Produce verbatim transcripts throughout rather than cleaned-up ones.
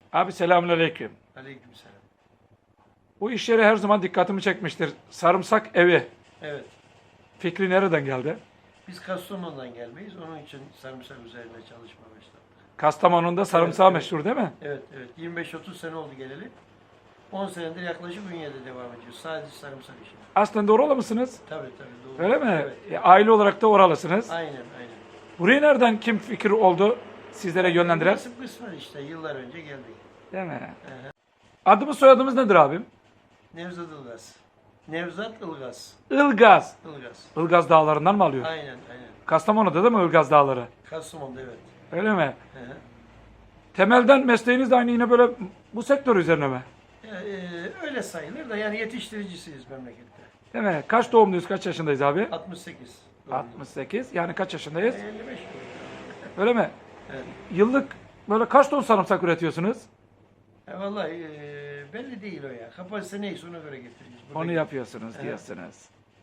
Abi selamünaleyküm. Aleykümselam. Bu iş yeri her zaman dikkatimi çekmiştir. Sarımsak evi. Evet. Fikri nereden geldi? Biz Kastamonu'dan gelmeyiz. Onun için sarımsak üzerine çalışma başladık. Kastamonu'da sarımsağı evet. meşhur değil mi? Evet, evet. yirmi beş otuz sene oldu geleli. on senedir yaklaşık Ünye'de devam ediyoruz. Sadece sarımsak işi. Aslında oralı mısınız? Tabii tabii. Doğru. Öyle mi? Evet. E, aile olarak da oralısınız. Aynen, aynen. Burayı nereden kim fikir oldu sizlere yönlendiren? Nasip kısmet işte. Yıllar önce geldik. Değil mi? Aha. Adımız soyadımız nedir abim? Nevzat Ilgaz. Nevzat Ilgaz. Ilgaz. Ilgaz. Ilgaz dağlarından mı alıyor? Aynen, aynen. Kastamonu'da değil mi Ilgaz dağları? Kastamonu'da evet. Öyle mi? Aha. Temelden mesleğiniz de aynı yine böyle bu sektör üzerine mi? Ya, e, öyle sayılır da yani yetiştiricisiyiz memlekette. Değil mi? Kaç doğumluyuz, kaç yaşındayız abi? altmış sekiz. altmış sekiz. Yani kaç yaşındayız? elli beş. Öyle mi? Evet. Yıllık böyle kaç ton sarımsak üretiyorsunuz? E, vallahi e, belli değil o ya. Kapasite neyse ona göre getireceğiz. Burada Onu yapıyorsunuz Evet. diyorsunuz.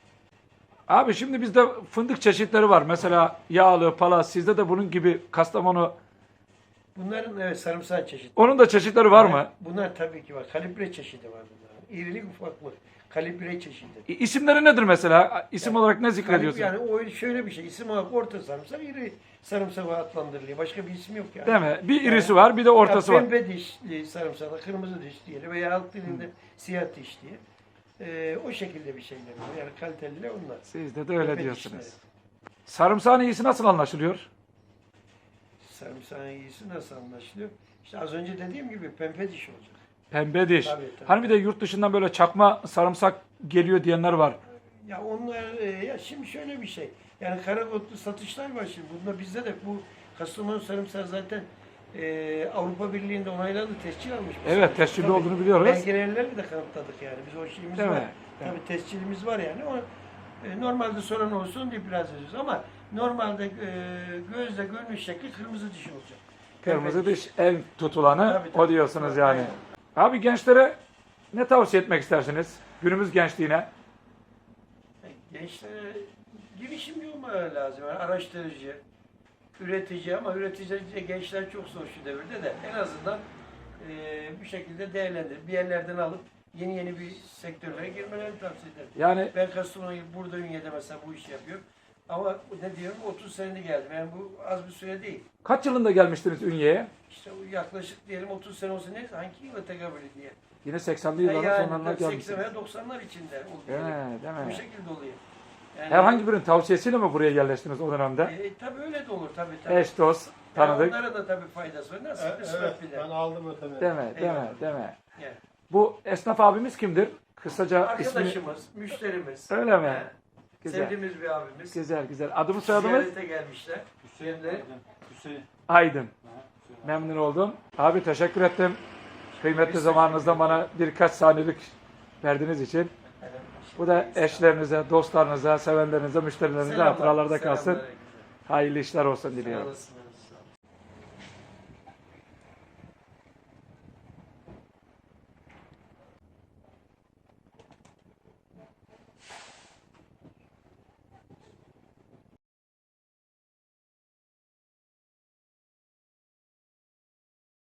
Abi şimdi bizde fındık çeşitleri var. Mesela yağlı, palas. Sizde de bunun gibi Kastamonu. Bunların evet sarımsak çeşidi. Onun da çeşitleri var mı? Bunlar tabii ki var. Kalibre çeşidi var bunların. İrilik ufaklık. Kalibre çeşidi. İ- İsimleri nedir mesela? İsim Yani olarak ne zikrediyorsun? Yani o şöyle bir şey. İsim olarak orta sarımsak, iri sarımsak adlandırılıyor. Başka bir isim yok yani. Değil mi? Bir irisi var, bir de ortası ya, var. pembe dişli sarımsak, kırmızı diş diyelim veya halk dilinde siyah diş diye. Ee, o şekilde bir şeyler var. Yani kaliteliler onlar. Sizde de öyle Pembe diyorsunuz. dişleri. Sarımsağın iyisi nasıl anlaşılıyor? Sarımsağın iyisi nasıl anlaşılıyor? İşte az önce dediğim gibi pembe diş olacak. Pembe diş. Tabii, tabii. Hani bir de yurt dışından böyle çakma sarımsak geliyor diyenler var. Ya onlar e, ya şimdi şöyle bir şey. Yani karakotlu satışlar var şimdi. Bunda bizde de bu Kastamonu sarımsağı zaten e, Avrupa Birliği'nde onaylandı, tescil almış. bir Evet, sarımsak. tescilli Tabii, olduğunu biliyoruz. Belgelerle de kanıtladık yani. Biz o şeyimiz Değil var. mi? Tabii tescilimiz var yani. O, e, normalde soran olsun diye biraz ediyoruz ama normalde e, gözle görünüş şekli kırmızı diş olacak. Kırmızı Pembe diş en tutulanı Tabii, tabii. o diyorsunuz yani. Aynen. Abi gençlere ne tavsiye etmek istersiniz? Günümüz gençliğine. Gençlere girişimci olmaları lazım. Yani araştırıcı, üretici ama üretici gençler çok zor şu devirde de en azından e, bir şekilde değerlendir. Bir yerlerden alıp yeni yeni bir sektörlere girmelerini tavsiye ederim. Yani Ben Kastamonu'yu burada Ünye'de mesela bu işi yapıyorum. Ama ne diyorum otuz senedir geldim. Yani bu az bir süre değil. kaç yılında gelmiştiniz Ünye'ye? İşte o yaklaşık diyelim otuz sene olsa ne hangi yıla tekabül ediyor? Yine seksenli Yani, yılların yani sonlarına seksen gelmişsiniz. veya doksanlar içinde Değil oluyor. mi? Değil Bu mi? şekilde oluyor. Yani, Herhangi birinin tavsiyesiyle mi buraya yerleştiniz o dönemde? E, tabii öyle de olur tabii tabii. Eş, dost, Yani tanıdık. onlara da tabii faydası var. Nasıl Evet, kısmet evet, bir de. ben aldım ötemi. Değil mi? Değil mi? Eyvallah. Değil mi? Yani. Bu esnaf abimiz kimdir? Kısaca ismini... Arkadaşımız, müşterimiz. Öyle mi? He. Güzel. Sevdiğimiz bir abimiz. Güzel güzel. Adımız soyadımız? Ziyarete gelmişler. Hüseyin, Hem de Hüseyin. Aydın. Ha, Hüseyin. Memnun oldum. Abi teşekkür ettim. Kıymetli Biz zamanınızdan teşekkür bana birkaç saniyelik verdiğiniz için. Evet, Bu da eşlerinize, dostlarınıza, sevenlerinize, müşterilerinize Selamlar, hatıralarda kalsın. selamlar herkese. Hayırlı işler olsun Sağ diliyorum. olasın.